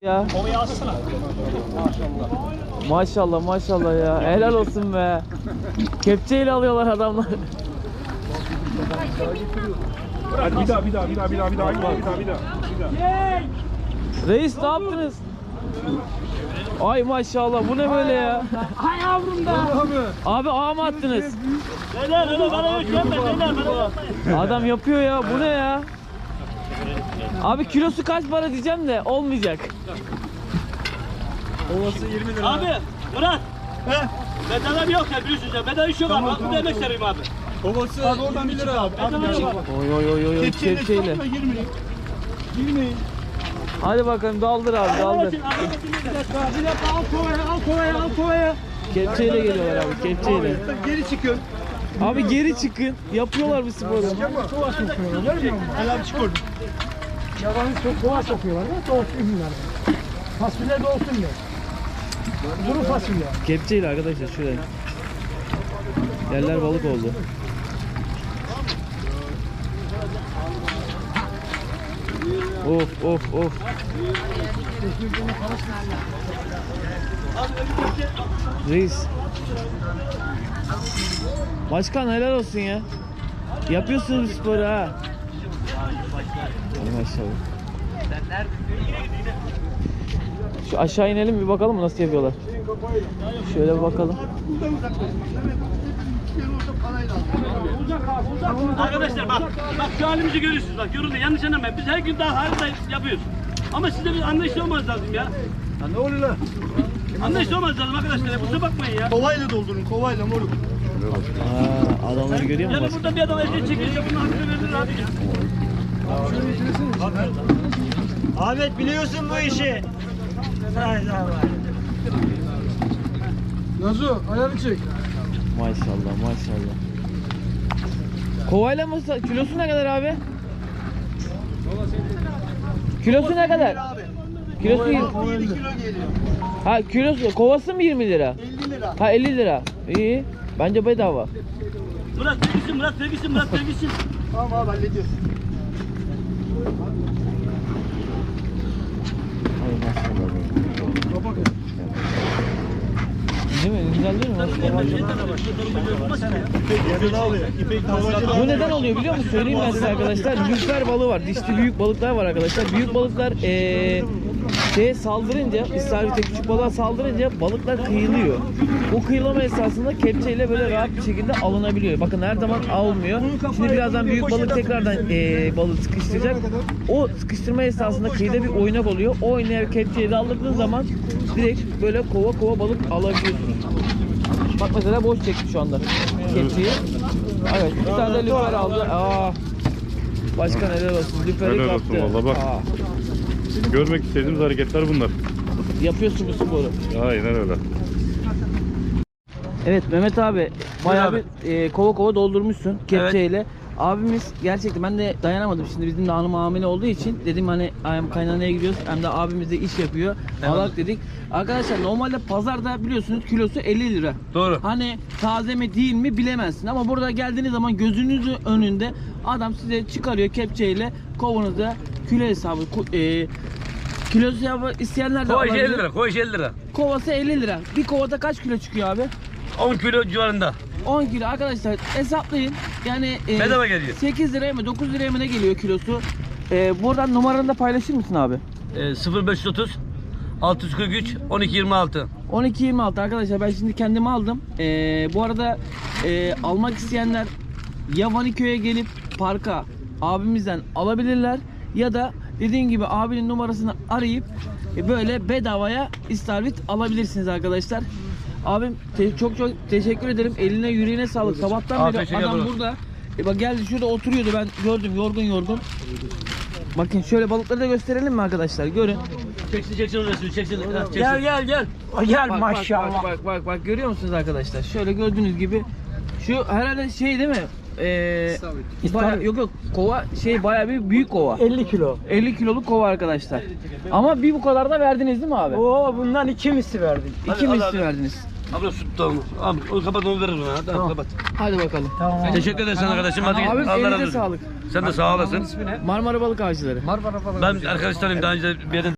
Ya. Kovayı alsana. Maşallah maşallah ya. Helal olsun be. Kepçeyle alıyorlar adamlar. Hadi bir daha. Reis ne yaptınız? Ay maşallah bu ne böyle ya? Hay yavrum da. Abi ağa mı attınız? Beyler bana yüklenme beyler. Adam yapıyor ya, bu ne ya? Abi kilosu kaç para diyeceğim de olmayacak. Ovası 20 lira. Abi Murat. Bedava yok ya biliyorsunuz ya. Bedava iş yok abi. Bak bu da emek vereyim abi. Ovası abi oradan 1 lira abi. Oy oy oy oy kepçeyle. Hadi bakalım daldır abi daldır. Bir dakika al kovaya. Kepçeyle geliyorlar abi, kepçeyle. Geri çıkın. Abi geri çıkın. Yapıyorlar bu sporu. Helal çık oradan. Yabanı çok kova sokuyorlar da doğsun bunlar. Fasulye doğsun diye. Kuru fasulye. Kepçeyle arkadaşlar şuraya. Yerler balık oldu. Of. Reis. Başkan helal olsun ya. Yapıyorsunuz sporu ha. Hadi maşallah. Şu aşağı inelim bir bakalım nasıl yapıyorlar. Şöyle bir bakalım. Arkadaşlar bak şu halimizi görüyorsunuz bak yoruldu yanlış anlamayın biz her gün daha halde yapıyoruz. Ama sizde bir anlayışlı olmanız lazım ya. Ya ne oluyor lan? Anlayışlı olmanız lazım arkadaşlar kusura bakmayın ya. Kovayla doldurun kovayla moruk. Adamları görüyor musun? Yani burada bir adam eziyet çekiyorsa bunun hakkını verilir abi ya. Ahmet biliyorsun bu işi. Nazu ayarı çek. Maşallah. Kovayla mı? Kilosu ne kadar abi? Kilosu ne kadar? Kilosu 20. 17 kilo geliyor. Ha kilosu kovası mı 20 lira? 50 lira. Ha 50 lira. İyi. Bence bedava. Murat vergisin. Tamam abi hallediyoruz. Ay maşallah. Değil mi? Güzel değil mi? Yazılı alıyor. İpek Bu neden oluyor biliyor musun? Söyleyeyim ben size arkadaşlar. Lüfer balığı var. Dişli büyük balıklar var arkadaşlar. Büyük balıklar saldırınca, istavrit küçük balığa saldırınca balıklar kıyılıyor. Bu kıyılama esasında kepçeyle böyle rahat bir şekilde alınabiliyor. Bakın her zaman almıyor. Şimdi birazdan büyük balık tekrardan balığı sıkıştıracak. O sıkıştırma esasında kıyıda bir oynak oluyor. O oynayan kepçeyi de aldırdığın zaman direkt böyle kova balık alabiliyorsunuz. Bak mesela boş çekti şu anda kepçeyi. Evet, bir tane de lüfer aldı. Başkan helal olsun. Lüferi Helal kaptı. olsun valla bak. Görmek istediğimiz hareketler bunlar. Yapıyorsun bu sporu. Aynen öyle. Evet Mehmet abi bayağı bir kova doldurmuşsun kepçeyle. Abimiz gerçekten ben de dayanamadım şimdi bizim de hanım hamile olduğu için dedim hani hem kaynanaya gidiyoruz hem de abimiz de iş yapıyor. Alak dedik. Arkadaşlar normalde pazarda biliyorsunuz kilosu 50 lira. Doğru. Hani taze mi değil mi bilemezsin ama burada geldiğiniz zaman gözünüzün önünde adam size çıkarıyor kepçeyle kovanızda kilo hesabı kilo hesabı isteyenler de alabilir. 50 lira. Kovası 50 lira. Bir kovada kaç kilo çıkıyor abi? 10 kilo civarında. 10 kilo arkadaşlar hesaplayın. Yani Bedava geliyor. 8 liraya mı 9 liraya mı ne geliyor kilosu? Buradan numaranı da paylaşır mısın abi? 0530 643 1226. 12.26 arkadaşlar ben şimdi kendimi aldım. Bu arada almak isteyenler ya Vaniköy'e gelip parka abimizden alabilirler ya da dediğim gibi abinin numarasını arayıp böyle bedavaya istavrit alabilirsiniz arkadaşlar. Abim çok teşekkür ederim. Eline yüreğine sağlık. Sabahtan beri adam burada. Bak geldi şurada oturuyordu ben gördüm yorgun. Bakın şöyle balıkları da gösterelim mi arkadaşlar? Görün. Çeksin resmi çeksin. Gel. Gel maşallah. Bak görüyor musunuz arkadaşlar? Şöyle gördüğünüz gibi şu herhalde şey değil mi? Yok kova bayağı bir büyük kova. 50 kilo. 50 kiloluk kova arkadaşlar. Ama bir bu kadar da verdiniz değil mi abi? Oo bundan 2 misli verdik. 2 misli verdiniz. Abla süt abi onu kapat onu verir bana. Tamam kapat. Hadi bakalım. Tamam. Teşekkür ederim sana kardeşim. Hadi git. Abim Allah razı elinize olsun. sağlık. Sen de sağ olasın. Marmara Balık Avcıları. Ben arkadaşlarım daha önce bir yere